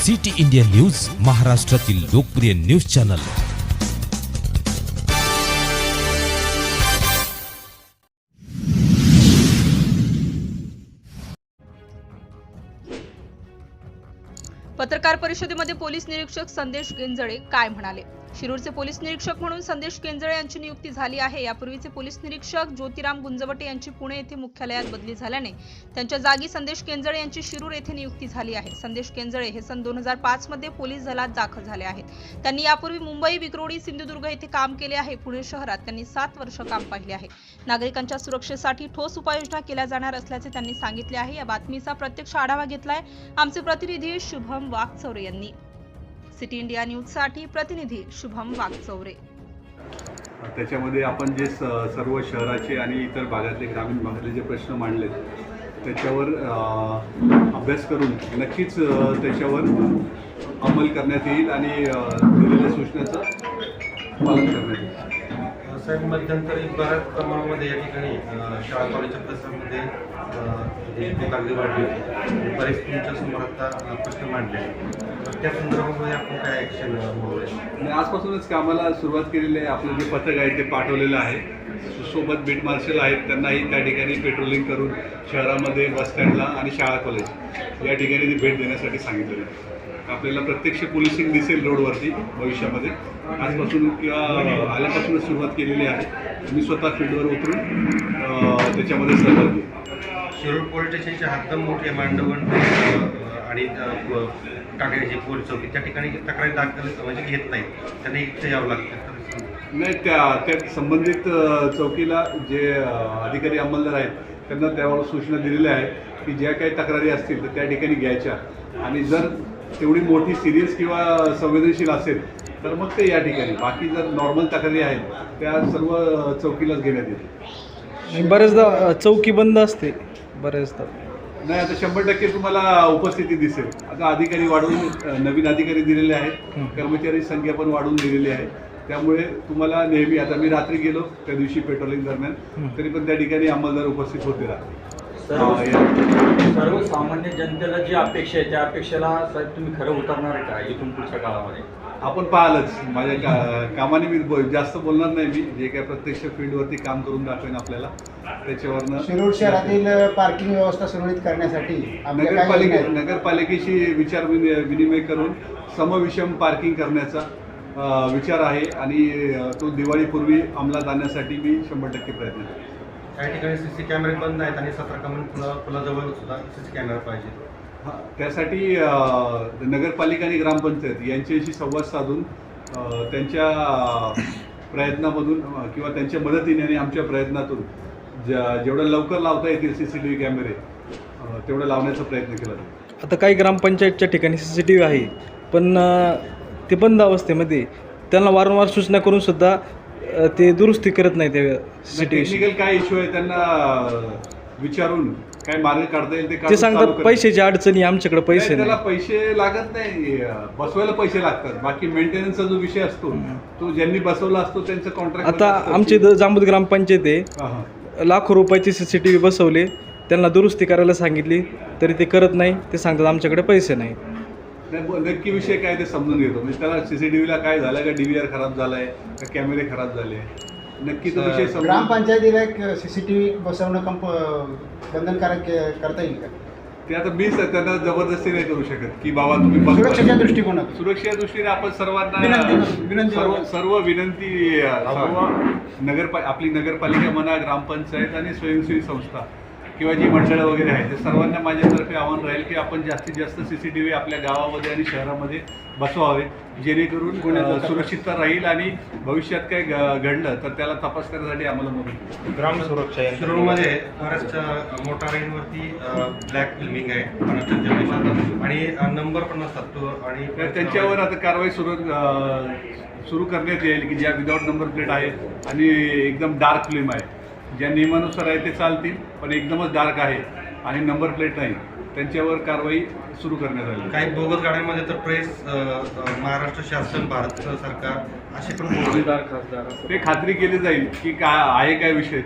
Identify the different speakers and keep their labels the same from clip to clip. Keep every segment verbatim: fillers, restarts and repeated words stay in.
Speaker 1: City India news, महाराष्ट्रातील लोकप्रिय news channel.
Speaker 2: पत्रकार परिषदेमध्ये पोलीस निरीक्षक संदेश केंजळे काय म्हणाले? शिरूरचे पोलीस निरीक्षक म्हणून संदेश केंजळे यांची नियुक्ती झाली आहे। यापूर्वीचे पोलीस निरीक्षक ज्योतिराम गुंजवटे यांची पुणे येथे मुख्यालयात बदली झाल्याने त्यांच्या जागी संदेश केंजळे यांची शिरूर येथे नियुक्ती झाली आहे। संदेश केंजळे हे सन दोन हजार पाच मध्ये पोलीस दलात दाखल झाले आहेत। त्यांनी यापूर्वी मुंबई, विक्रोळी, सिंधुदुर्ग येथे काम केले आहे। पुणे शहरात त्यांनी सात वर्ष काम पाहिले आहे। नागरिकांच्या सुरक्षेसाठी ठोस उपाययोजना केल्या जाणार असल्याचे त्यांनी सांगितले आहे। या बातमीचा प्रत्यक्ष आढावा घेतलाय आमचे प्रतिनिधी शुभम वाघचौरे यांनी। सिटी इंडिया न्यूज साठी प्रतिनिधी शुभम वाघचौरे।
Speaker 3: त्याच्यामध्ये आपण जे सर्व शहराचे आणि इतर भागातले, ग्रामीण भागातले जे प्रश्न मांडलेत त्याच्यावर अभ्यास करून नक्कीच त्याच्यावर अंमल करण्यात येईल आणि दिलेल्या सूचनांचं पालन करण्यात येईल।
Speaker 4: साहेब, मध्यंतरी बऱ्याच प्रमाणामध्ये या ठिकाणी शाळा कॉलेजच्या परिसरामध्ये कागदी वाढली होती। बरेच तुमच्या समोर आता प्रश्न मांडले, त्या संदर्भामध्ये आपण काय ॲक्शन बोलूया?
Speaker 3: आजपासूनच कामाला सुरुवात केलेली आहे। आपलं जे पथक आहे ते पाठवलेलं आहे। सोबत बीट मार्शल आहेत, त्यांनाही त्या ठिकाणी पेट्रोलिंग करून शहरामध्ये बस स्टँडला आणि शाळा कॉलेज या ठिकाणी ती भेट देण्यासाठी सांगितलेलं आहे। आपल्याला प्रत्यक्ष पोलिसिंग दिसेल रोडवरती भविष्यामध्ये। आजपासून किंवा आल्यापासूनच सुरुवात केलेली आहे। मी स्वतः फील्डवर उतरून त्याच्यामध्ये सहभाग घेईन।
Speaker 4: शिरूर पोलीस स्टेशनची हद्द मोठी आहे, मांडवण आणि टाकळीची पोलीस चौकी त्या ठिकाणी तक्रारी दाखल म्हणजे घेत नाही, त्यांनी इथे यावं लागतं।
Speaker 3: नाही, त्या त्या संबंधित चौकीला जे अधिकारी अंमलदार आहेत त्यांना त्यावर सूचना दिलेल्या आहेत की ज्या काही तक्रारी असतील तर त्या ठिकाणी घ्यायच्या, आणि जर तेवढी मोठी सिरियस किंवा संवेदनशील असेल तर मग ते या ठिकाणी, बाकी जर नॉर्मल तक्रारी आहेत त्या सर्व चौकीलाच घेण्यात येते।
Speaker 5: बरेचदा चौकी बंद असते बरेचदा।
Speaker 3: नाही, आता शंभर टक्के तुम्हाला उपस्थिती दिसेल। आता अधिकारी वाढवून नवीन अधिकारी दिलेले आहेत, कर्मचारी संख्या पण वाढवून दिलेली आहे। त्यामुळे तुम्हाला नेहमी, आता मी रात्री गेलो त्या दिवशी पेट्रोलिंग दरम्यान, तरी पण त्या ठिकाणी अंमलदार उपस्थित होते राहते।
Speaker 6: सर्वसामान्य जनतेला जी अपेक्षा आहे त्या अपेक्षेला साहेब तुम्ही खरं उतरणार आहे का इथून पुढच्या काळामध्ये?
Speaker 3: आपण पाहालच, माझ्या का कामाने मी बो जास्त बोलणार नाही। मी जे काय प्रत्यक्ष फील्डवरती काम करून दाखवेन आपल्याला, त्याच्यावरनं
Speaker 7: शिरूर शहरातील पार्किंग व्यवस्था सुरळीत करण्यासाठी
Speaker 3: नगरपालिके नगरपालिकेशी विचार विनिमय करून समविषम पार्किंग करण्याचा विचार आहे आणि तो दिवाळीपूर्वी अंमलात आणण्यासाठी मी शंभर टक्के प्रयत्न करेन।
Speaker 4: काही ठिकाणी सी सी कॅमेरे बंद आहेत आणि सतरा कमान पुला पुलाजवळ सुद्धा सी सी कॅमेरा पाहिजे।
Speaker 3: हां, त्यासाठी नगरपालिका आणि ग्रामपंचायत यांच्याशी संवाद साधून त्यांच्या प्रयत्नामधून किंवा त्यांच्या मदतीने आणि आमच्या प्रयत्नातून ज्या जेवढं लवकर लावता येतील सी सी टी व्ही कॅमेरे तेवढं लावण्याचा प्रयत्न केला जाईल।
Speaker 5: आता काही ग्रामपंचायतच्या ठिकाणी सी सी टी व्ही आहे, पण ते बंद अवस्थेमध्ये त्यांना वारंवार सूचना करून सुद्धा ते दुरुस्ती करत नाही। ते C C T V
Speaker 3: technical काय इश्यू आहे त्यांना विचारून काय मार्ग काढता येईल ते
Speaker 5: ते सांगतात पैशाची अडचणी, आमच्याकडे पैसे
Speaker 3: त्याला पैसे लागत नाही, बसवायला पैसे लागतात। बाकी मेंटेनन्सचा जो विषय असतो तो ज्यांनी बसवला असतो त्यांचं कॉन्ट्रॅक्ट।
Speaker 5: आता आमचे इथं जांबूद ग्रामपंचायत आहे, लाखो रुपयाची सी सी टी व्ही बसवले, त्यांना दुरुस्ती करायला सांगितली तरी ते करत नाही। ते सांगतात आमच्याकडे पैसे नाही।
Speaker 3: नक्की विषय काय ते समजून घेतो, म्हणजे त्याला सीसीटीव्हीला काय झालं का, डी व्ही आर खराब झालाय का, कॅमेरे खराब झाले, नक्की तो विषय समजून।
Speaker 7: ग्रामपंचायतीला एक सीसीटीव्ही बसवणं कंप बंधनकारक करता येईल का?
Speaker 3: ते आता मी त्यांना जबरदस्ती नाही करू शकत की बाबा तुम्ही
Speaker 7: सुरक्षेच्या दृष्टिकोनातून
Speaker 3: सुरक्षेच्या दृष्टीने आपण सर्वांना
Speaker 7: विनंती
Speaker 3: सर्व सर्व विनंती सर्व नगरपा आपली नगरपालिका म्हणा, ग्रामपंचायत आणि स्वयंसेवी संस्था किंवा जी मंडळं वगैरे आहेत, ते सर्वांना माझ्यातर्फे आव्हान राहील की आपण जास्तीत जास्त सी सी टी व्ही आपल्या गावामध्ये आणि शहरामध्ये बसवावे, जेणेकरून सुरक्षितता राहील आणि भविष्यात काय घडलं तर त्याला तपास करण्यासाठी आम्हाला मदत।
Speaker 4: ग्राम सुरक्षा शिरूरमध्ये फॉरेस्टच्या मोठा रेंजवरती ब्लॅक फिल्मिंग आहे आणि नंबर पण नसतात तो, आणि
Speaker 3: त्यांच्यावर आता कारवाई सुरू सुरू करण्यात येईल की ज्या विदाऊट नंबर प्लेट आहे आणि एकदम डार्क फिल्म आहे, ज्या नियमानुसार आहे ते चालतील, पण एकदमच डार्क आहे आणि नंबर प्लेट नाही, त्यांच्यावर कारवाई सुरू करण्यात आली।
Speaker 4: काही बोगस गाड्यांमध्ये तर प्रेस, महाराष्ट्र शासन, भारत सरकार असे पण
Speaker 3: ते खात्री केली जाईल की काय आहे काय विषय तो,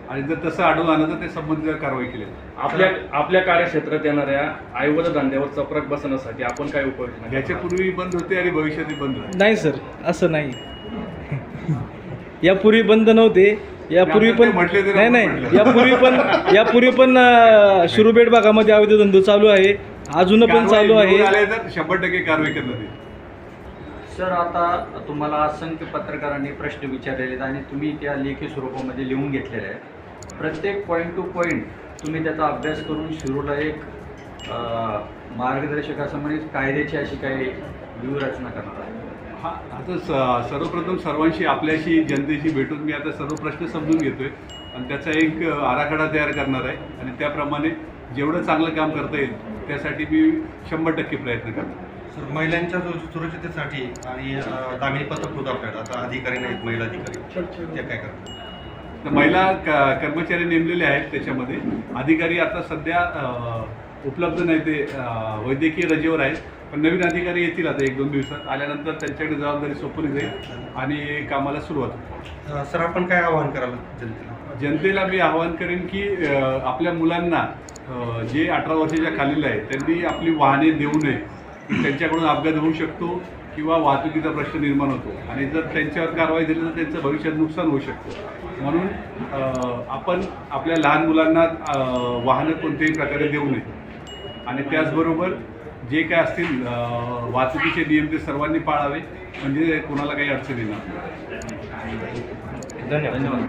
Speaker 3: आणि जर तसं आढळून आलं तर ते संबंधित कारवाई केली जाईल.
Speaker 8: आपल्या आपल्या कार्यक्षेत्रात येणाऱ्या आईवड धंद्यावर चपराक बसवण्यासाठी आपण काय उपाययोजना करणार?
Speaker 3: याच्यापूर्वी बंद होते आणि भविष्यातही बंद होते.
Speaker 5: नाही सर, असं नाही. यापूर्वी बंद नव्हते. यापूर्वी पण
Speaker 3: म्हटले तरी
Speaker 5: नाही
Speaker 3: आपण
Speaker 5: नाही
Speaker 3: म्हटलं.
Speaker 5: यापूर्वी पण यापूर्वी पण अं, शिरूरपेठ भागामध्ये अवैध धंदो चालू आहे, अजून पण चालू
Speaker 3: कारवाई
Speaker 5: आहे.
Speaker 3: निवडून आले तर शंभर टक्के कारवाई करण्यात येईल.
Speaker 6: सर, आता तुम्हाला असंख्य पत्रकारांनी प्रश्न विचारलेले आहेत आणि तुम्ही त्या लेखी स्वरूपामध्ये लिहून घेतलेले आहे. प्रत्येक पॉईंट टू पॉईंट तुम्ही त्याचा अभ्यास करून शिरूरला एक अं, मार्गदर्शक असं म्हणजे कायद्याची अशी काही व्यूहरचना करणार आहे.
Speaker 3: हा आता स सर्वप्रथम सर्वांशी आपल्याशी जनतेशी भेटून मी आता सर्व प्रश्न समजून घेतोय आणि त्याचा एक आराखडा तयार करणार आहे आणि त्याप्रमाणे जेवढं चांगलं काम करता येईल त्यासाठी मी शंभर टक्के प्रयत्न करणार.
Speaker 4: सर, महिलांच्या सु- सुरक्षिततेसाठी आणि अं, दामिनी पथक होतं आपल्याकडे, आता अधिकारी नाहीत महिला अधिकारी, ते काय करतात?
Speaker 3: तर महिला क कर्मचारी नेमलेले आहेत त्याच्यामध्ये. अधिकारी आता सध्या अ, उपलब्ध नाही, ते अ, वैद्यकीय रजेवर आहेत, पण नवीन अधिकारी येतील आता एक दोन दिवसात. आल्यानंतर त्यांच्याकडे जबाबदारी सोपवली जाईल आणि कामाला सुरुवात होईल.
Speaker 4: अं, सर, आपण काय आवाहन कराल जनतेला?
Speaker 3: जनतेला मी आवाहन करेन की अ, आपल्या मुलांना अ, जे अठरा वर्षाच्या खालील आहे त्यांनी आपली वाहने देऊ नये. त्यांच्याकडून अपघात होऊ शकतो किंवा वाहतुकीचा प्रश्न निर्माण होतो आणि जर त्यांच्यावर कारवाई झाली तर त्यांचं भविष्यात नुकसान होऊ शकतं. म्हणून अ, आपण आपल्या लहान मुलांना अ, वाहनं कोणत्याही प्रकारे देऊ नये आणि त्याचबरोबर जे काय असतील अ, वाहतुकीचे नियम ते सर्वांनी पाळावे, म्हणजे कोणाला काही अडचण येणार नाही.
Speaker 6: धन्यवाद.